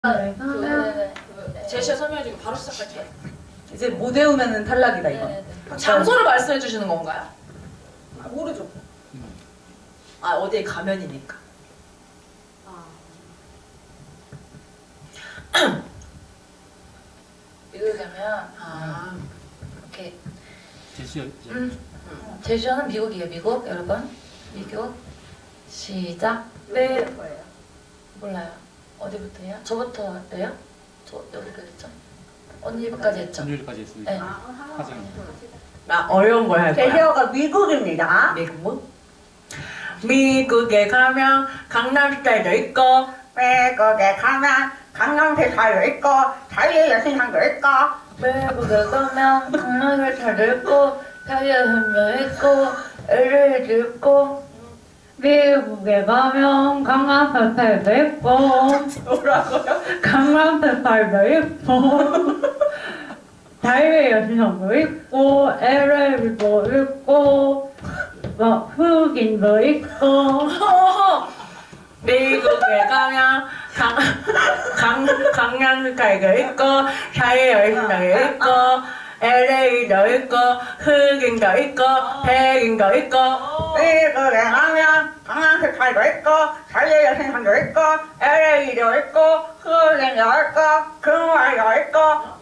네네네. 제시어 설명해주고 바로 시작할게요. 이제 못 외우면은 탈락이다 이건. 네네네. 장소를 말씀해 주시는 건가요? 아, 모르죠. 아 어디에 가면이니까. 미국에 가면 이렇게 제주어는 미국이에요. 미국 여러분 미국 시작. 네. 몰라요. 어디부터요? 저부터 해요? 저 여기까지 했죠? 언니까지 했죠? 전율까지 했습니다. 네. 하정입니다. 나 어려운 걸 할 거야. 제시어가 미국입니다. 미국? 미국에 가면 강남 스타일도 있고 미국에 가면 강남스타일도 있고 자유의 여신상도 있고 미국에 가면 강남스타일도 있고 자유의 있고 LA도 있고 미국에 가면 강남스타일도 있고 뭐라고요? 강남스타일도 있고 자유의 여신상도 있고 LA도 있고 뭐 흑인도 있고 미국에 가면 강남 스타일도 있고 자유의 여신상도 있고 LA도 있고 흑인도 있고 백인도 있고 미국에 가면 강남스타일도 있고 자유의 여신상도 있고 LA도 있고 흑인도 있고 금발도 있고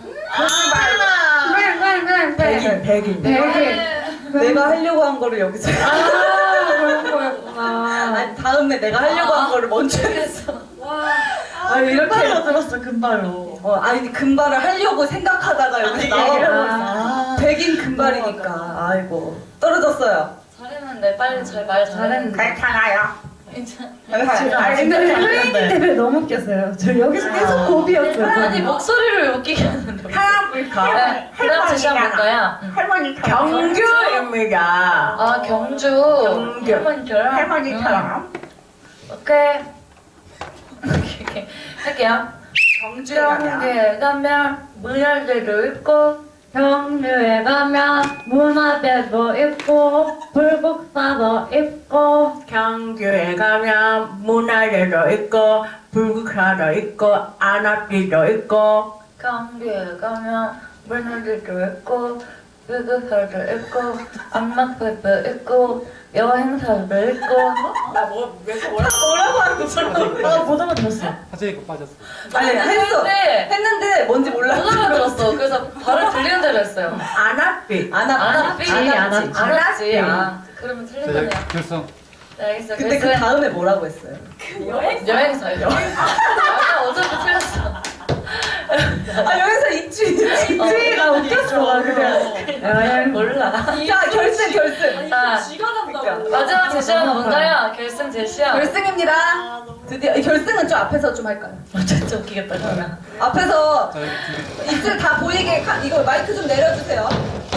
백인 내가 하려고 한 거를 여기서 그런 거였구나. 아니 다음에 내가 하려고 한 거를 먼저 했어. 아니 이렇게 금발로 들었어 금발로. 아니 금발을 하려고 생각하다가 여기서 얘기를 하고 있어. 백인 금발이니까. 아이고 떨어졌어요. 잘했는데 빨리 말 잘했는데. 괜찮아요. 괜찮아. 근데 혜인이 때문에 너무 웃겼어요. 저 여기서 계속 고비였어요. 아니 목소리를 웃기게 하는데. 네, 그다음 제시어 볼까요? 할머니처럼. 경주입니다. 아 경주. 경주. 할머니처럼. 할머니처럼. 오케이. 오케이. 할게요. 경주에 가면 경주에 가면 문화재도 있고 경주에 가면 문화재도 있고 불국사도 있고 경주에 가면 문화재도 있고 불국사도 있고 안압지도 있고 경주에 가면 문화재도 있고 불국사도 있고 안막사도 있고 여행사도 있고 뭐라고 하는 거죠? 못 알아들었어. 하정이 거 빠졌어. 아니 했어. 했는데 했는데 뭔지 몰라. 못 알아들었어. 그래서 바로 들리는 대로 했어요. 안압지 안았지. 안았지. 아, 그러면 자, 틀리네요. 결성. 네, 알겠어요. 근데 그 그래서 다음에 뭐라고 했어요? 여행사요. 아까 어차피 틀렸어. 아 여기서 입주가 웃겼어. 그래. 여행 몰라. 야 결승. 자, 쥐가 난다고. 마지막 제시어는 뭔가요? 결승 제시어. 결승입니다. 드디어 결승은 좀 앞에서 좀 할까요? 진짜 웃기겠다, 그러면. 앞에서 자, 여기 준비. 입술 다 보이게 이거 마이크 좀 내려주세요.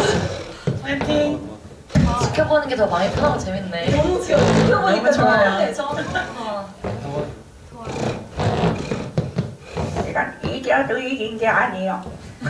지켜보는 게 더 많이 편하고 재밌네. 너무 귀여워. 지켜보니까 좋아요. 이건 이겨도 이긴 게 아니에요.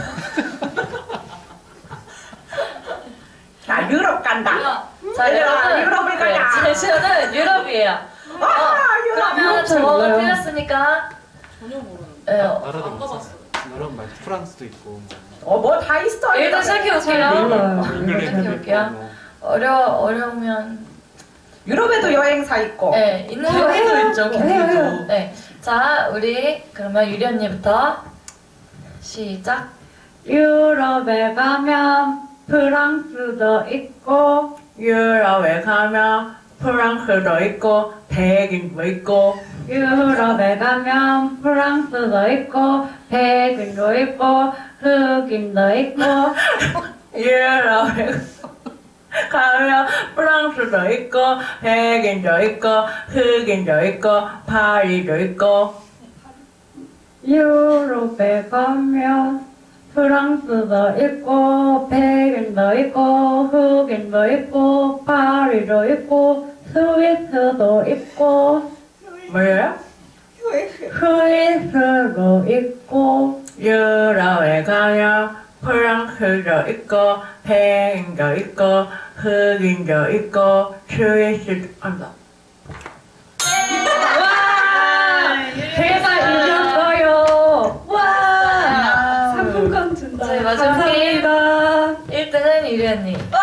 자 유럽 간다. 자, 얘들아, 여러분. 유럽을 가자. 제시어는 유럽이에요. 유럽. 그러면 저거 틀렸으니까. 전혀 모르는데. 네, 나라도 안 가봤어. 나라는 말고 프랑스도 있고. 뭐 다 있어. 일단 시작해볼게요. 잉글랜드도 시작해볼게요. 있고. 어려우면. 유럽에도 여행사 있고. 네, 있는 해요, 것도 해요. 있죠. 해요, 해요. 네. 자, 우리 그러면 유리 언니부터 시작. 유럽에 가면 프랑스도 있고 유럽에 가면 프랑스도 있고 백인도 있고 유럽에 가면 프랑스도 있고 백인도 있고 흑인도 있고 유럽에 가면 프랑스도 있고 백인도 있고 흑인도 있고 파리도 있고 유럽에 가면 프랑스도 있고 백인도 있고 흑인도 있고 파리도 있고 스위스도 있고 뭐예요? 스위스도 있고 유럽에 가면 프랑스도 있고 백인도 있고 흑인도 있고 스위스도 한다. 와 대박 이겼어요. 마지막 게임 감사합니다. 1등은 유리 언니. 와!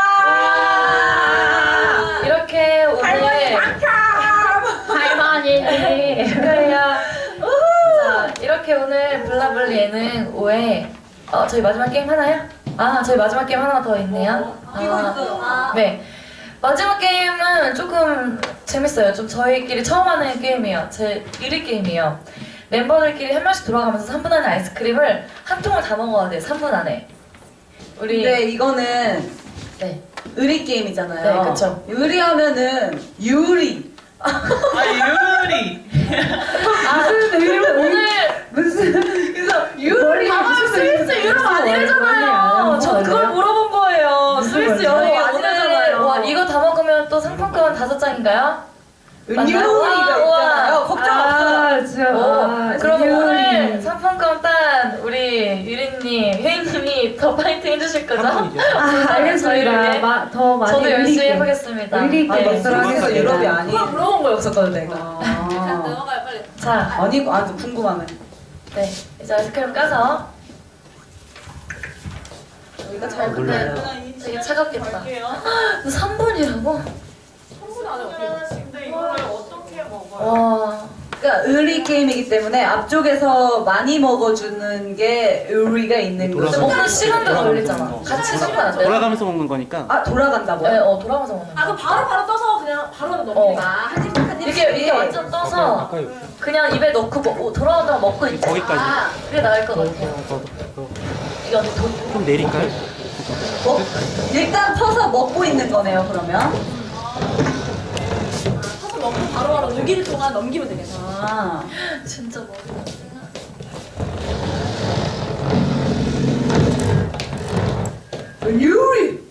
이렇게 오늘 할머니. 축하해요. 자, 이렇게 오늘 블라블리 예능 5회 저희 마지막 게임 하나요? 아, 저희 마지막 게임 하나 더 있네요. 이거 있어요. 네. 마지막 게임은 조금 재밌어요. 좀 저희끼리 처음 하는 게임이에요. 제 1위 게임이에요. 멤버들끼리 한 명씩 돌아가면서 3분 안에 아이스크림을 한 통을 다 먹어야 돼요. 3분 안에. 우리 근데 이거는 네. 의리 게임이잖아요. 네, 그쵸. 의리하면은 유리. 유리. 그래서 유리. 스위스 유럽 아니래잖아요. 저 그걸 물어본 거예요. 스위스 유럽 아니래잖아요. 와, 이거 다 먹으면 또 상품권 5장인가요? 유리가 우와. 있잖아요. 걱정 없어요. 진짜. 그럼 오늘 상품권 딴 우리 유리님, 혜인님이 더 파이팅 해주실 거죠? 한 분이죠. 알겠습니다. 더 많이 저도 열심히 의리 있게. 해보겠습니다. 의리 있게 아니, 먹도록 스위스 하겠습니다. 유럽이 아니. 그걸 물어본 거였었거든 내가. 아. 자, 아니, 궁금하네. 네 이제 아이스크림 까서 여기가 잘 몰라요. 근데 되게 차갑겠다. 3분이라고? 근데 이거를 어떻게 먹어요? 와. 그러니까 의리 게임이기 때문에 앞쪽에서 많이 먹어주는 게 의리가 있는 근데 거죠. 먹는 시간도 돌아가면서 걸리잖아. 먹는 거. 같이 섞으면 안 돼요? 돌아가면서 먹는 거니까 아 돌아간다고요? 네, 돌아가면서 먹는 거. 그럼 바로 떠서 그냥 바로 넘기는 어. 한 이게 완전 떠서 아까 여기 그냥 입에 넣고 돌아오다가 먹고 있자. 거기까지. 그게 나을 것 같아요. 이게 어디 좀 내릴까요? 일단 터서 먹고 있는 거네요 그러면. 타서 먹고 바로 녹일 동안 넘기면 되겠네. 아 진짜 머리가 유리.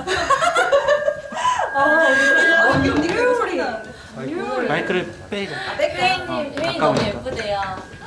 유리. 마이크를 빼자. 혜인님, 혜인 가까우니까. 너무 예쁘대요.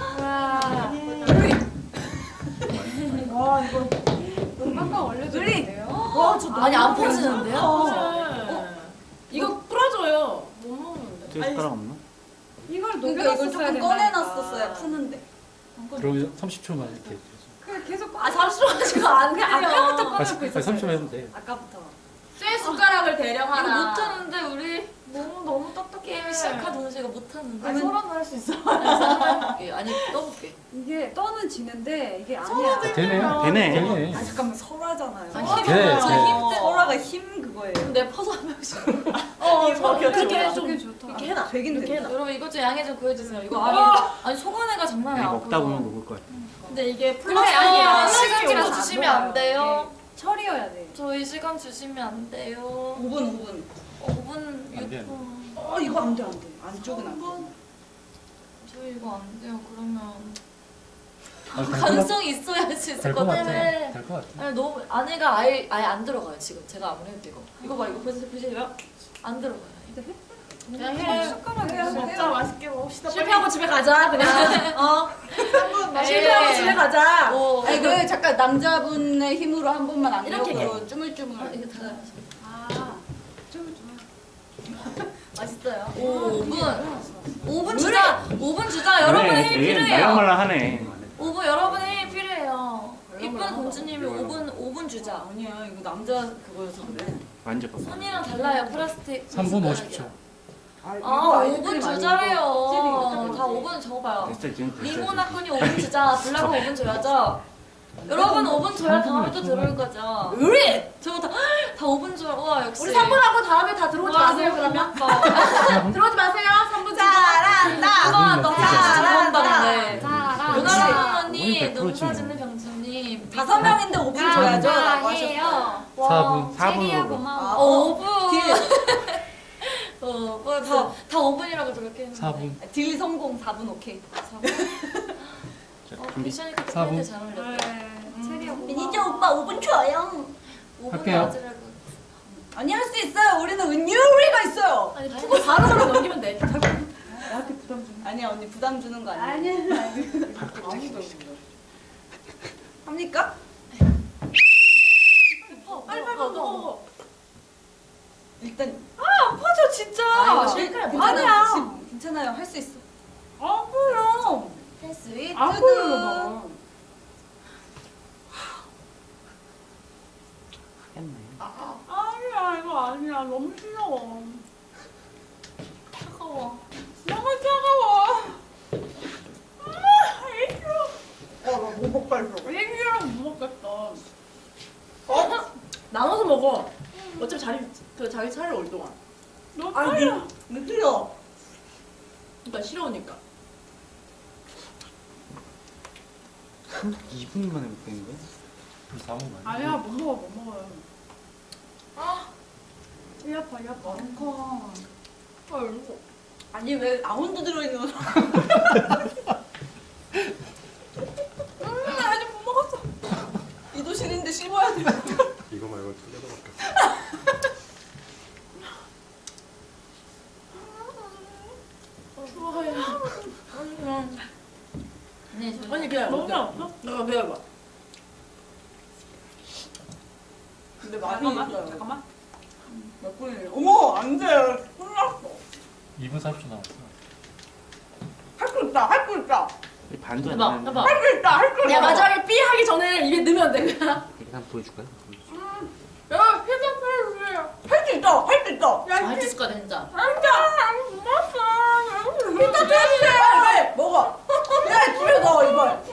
아니 안 퍼지는데요? 어. 이거 풀어줘요. 못 먹는데. 저 숟가락 없나? 그러니까 이걸 조금 꺼내놨었어야 푸는데. 그러면 30초만 이렇게. 아 잠시만 가지고 안 돼요. 아까부터 아니 30초만 해도 돼. 아까부터. 쇠 숟가락을 대령 이거 하나. 못하는데 우리 너무 딱딱해. 게임 시작한 동시에 이거 못하는데. 아니 서로는 할 수 있어. 아니 떠볼게. 이게 떠는 지는데 이게 아니야. 되네. 아 잠깐만 설화잖아요. 아니, 네, 저 네. 힘, 설화가 힘 그거예요. 그럼 내 퍼서 한 명씩. 그렇게 해 좀. 되게 좋다. 이렇게 해놔. 되긴 이렇게 돼. 해놔. 여러분 이것 좀 양해 좀 구해주세요. 이거 아니 소관회가 장난이 아니, 아니고. 먹다 보면 녹을 거야. 근데 이게 근데 플라스틱 아니야. 플라스틱으로 시간 좀 안 주시면 안 돼요. 철이어야 돼. 저희 시간 주시면 안 돼요. 5분. 5분 안 돼. 6분. 이거 안 돼. 안쪽은 안 돼. 저희 이거 안 돼요. 그러면 아, 가능성이 있어야 할 수 있을 것 될것 같아. 같아. 될 것 같아. 아니 너무 안에가 아예 안 들어가요 지금. 제가 아무리 해도 이거 봐 이거 보시세요? 안 들어가요. 그냥 해. 숟가락에 먹자 맛있게 먹읍시다. 실패하고 집에 가자 그냥. 실패하고 에이. 집에 가자. 오, 아니 그 잠깐 남자분의 힘으로 한 번만 안 이렇게 되고 쭈물쭈물. 이거 다 아, 쭈물쭈물. 맛있어요. 5분 주자. 5분 주자. 여러분의 힘이 필요해요. 말랑말랑하네. 5분 여러분의 힘이 필요해요. 이쁜 공주님이 5분 주자. 아니야 이거 남자 그거여서 그래. 만져봐. 손이랑 달라요 플라스틱. 3분 50초. 아 이거 아이스크림 5분 아니고 주자래요. 찌리 다 5분 적어봐요. 됐어 지금 됐어. 리모나꾼이 5분 주자. 블라가 5분 줘야죠. 여러분 5분 줘야 다음에 또 들어올 거죠. 우리 저다 5분 줘야. 와 역시. 우리 3분 하고 다음에 다 들어오지 와, 마세요 너무 그러면. 고맙다. 들어오지 마세요. 3분 잘한다. 와, 너무 잘한다는데. 잘한다. 유나라 언니, 오늘 100% 농사 지. 짓는 병주님. 5명인데 5분 줘야죠. 라고 하셨어요. 해요. 4분 4분으로. 고마워. 5분. 다 5분이라고 저렇게 했는데. 4분. 딜 성공 4분 오케이. 자, 준비. 미션이 그때 4분. 팬들 잘 어울렸다. 체리야 고마워. 미니저 오빠 5분 줘요. 5분 할게요. 맞으라고. 아니 할 수 있어요. 우리는 은유리가 있어요. 아니 푸고 바로 넘기면 돼. 아니야 언니 부담 주는 거 아니야? 합니까? 빨리 먹어. 일단 아파져 진짜. 이거 실패야. 괜찮아요. 지금 괜찮아요. 할 수 있어. 아 그럼. 할 수 있. 아프요. 너무 싫어. 차가워. 너무 차가워. 싫어. 나못 먹겠어. 얘기랑 못 먹겠어. 나눠서 먹어. 어차피 자기 차례 올 동안. 너 아니, 차려. 느려. 그러니까 싫어오니까. 2분 만에 못 되는 거야? 벌써 4분 만에? 아니야 못 먹어 못 먹어요. 이 아파 이 아파. 아니, 왜 아몬드 들어있는 거? 아직 못 먹었어. 이도신인데 씹어야 돼. 이거 말고 두 개도 밖에 좋아해. 네, 저 언니 그냥 너무 먹자. 없어? 내가 배워봐. 근데 많이 잠깐만 있어요. 잠깐만. 몇 분이에요? 어머, 안 돼. 혼났어. 2분 40초 남았어. 할 수 있다, 할 수 있다. 반도 안 해봐, 되는데. 해봐. 할 수 있다, 할 수 있다. 야 마지막에 삐 하기 전에 입에 넣으면 돼. 이렇게 한번 보여줄까요? 야 피자 펴주세요. 할 수 있다, 할 수 있다. 아 짓을 거야 진짜. 못 먹었어. 피자 펴주세요. 왜? 먹어. 야, 집에 넣어, 이걸.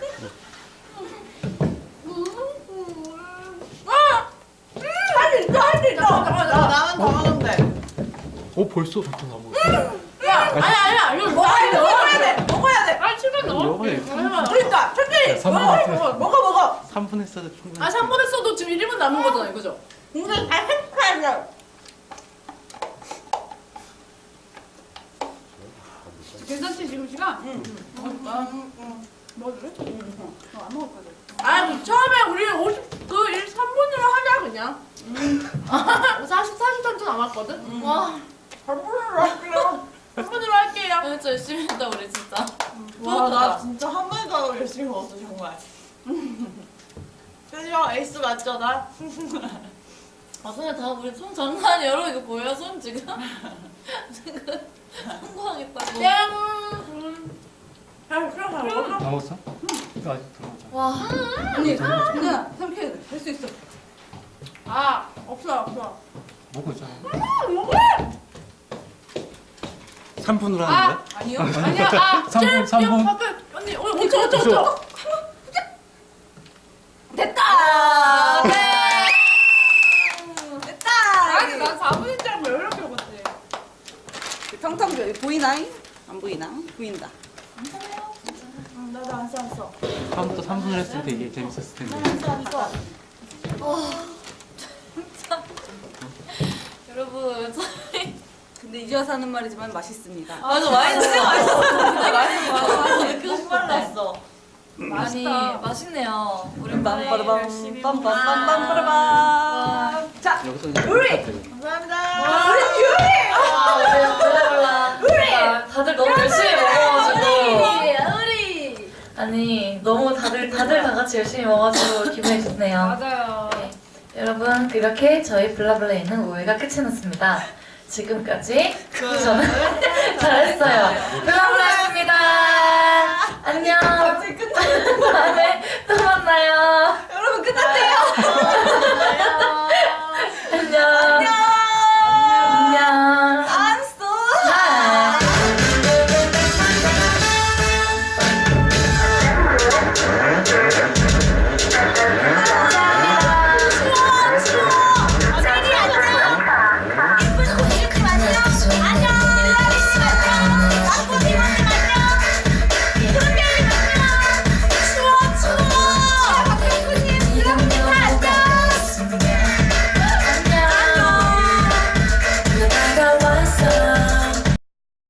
할 수 있다, 할 수 있다. 나는 더 먹는데. 벌써 잠깐 다 먹었어. 아니야 이거 먹어야 돼, 먹어야 돼, 먹어야 돼. 아 치면 넣어. 먹어야 그러니까, 천천히. 먹어. 3분 했어도 충분히. 아 3분 했어도 지금 1분 남은 거잖아 이거죠? 근데 잘 행복해야 돼. 괜찮지 지금 시간? 응. 먹어줄래? 안 먹을 거야. 아 처음에 우리 3분으로 하자 그냥. 40분 남았거든? 와 3분으로 할게요. 진짜 열심히 했다 우리 진짜. 와, 나 진짜 한 번도 열심히 먹었어, 정말. 그죠? 에이스 맞죠 나? 아 손에 다 우리 손 장난 아니야. 여러분 이거 보여요? 손 지금? 지금 성공하겠다고. 다 먹었어? 이거 아직 더 먹자. 와. 언니, 그냥 삼켜야 돼. 할 수 있어. 아 없어. 먹고 있잖아. 3분으로 하는 거야? 아니요? 아니야. 아 3분. 언니 5초. 됐다! 네. 됐다! 아니 난 4분인 줄 알고 이렇게 먹었지. 평평 보이나잉? 안 보이나? 보인다. 나도 안 쌌어. 다음부터 3분을 했으면 되게 재밌었을 텐데. 여러분 저희 근데 이제 와서 하는 말이지만 맛있습니다. 맞아 와인 진짜 맛있어. 진짜 맛있어. 느끼고 싶었네. 아니 맛있네요. 오랜만에 열심히 빰빰빠라밤 빰빰빰빰빠라밤. 자, 여기서 요리! 감사합니다. 우리 유리! 몰라. 다들 너무 열심히 먹어가지고. 아니 너무 다들 다 같이 열심히 먹어가지고 기분이 좋네요. 맞아요. 네. 여러분 이렇게 저희 블라블레이는 5회가 끝이 났습니다. 지금까지 저는 잘했어요. 블라블레이였습니다. 안녕.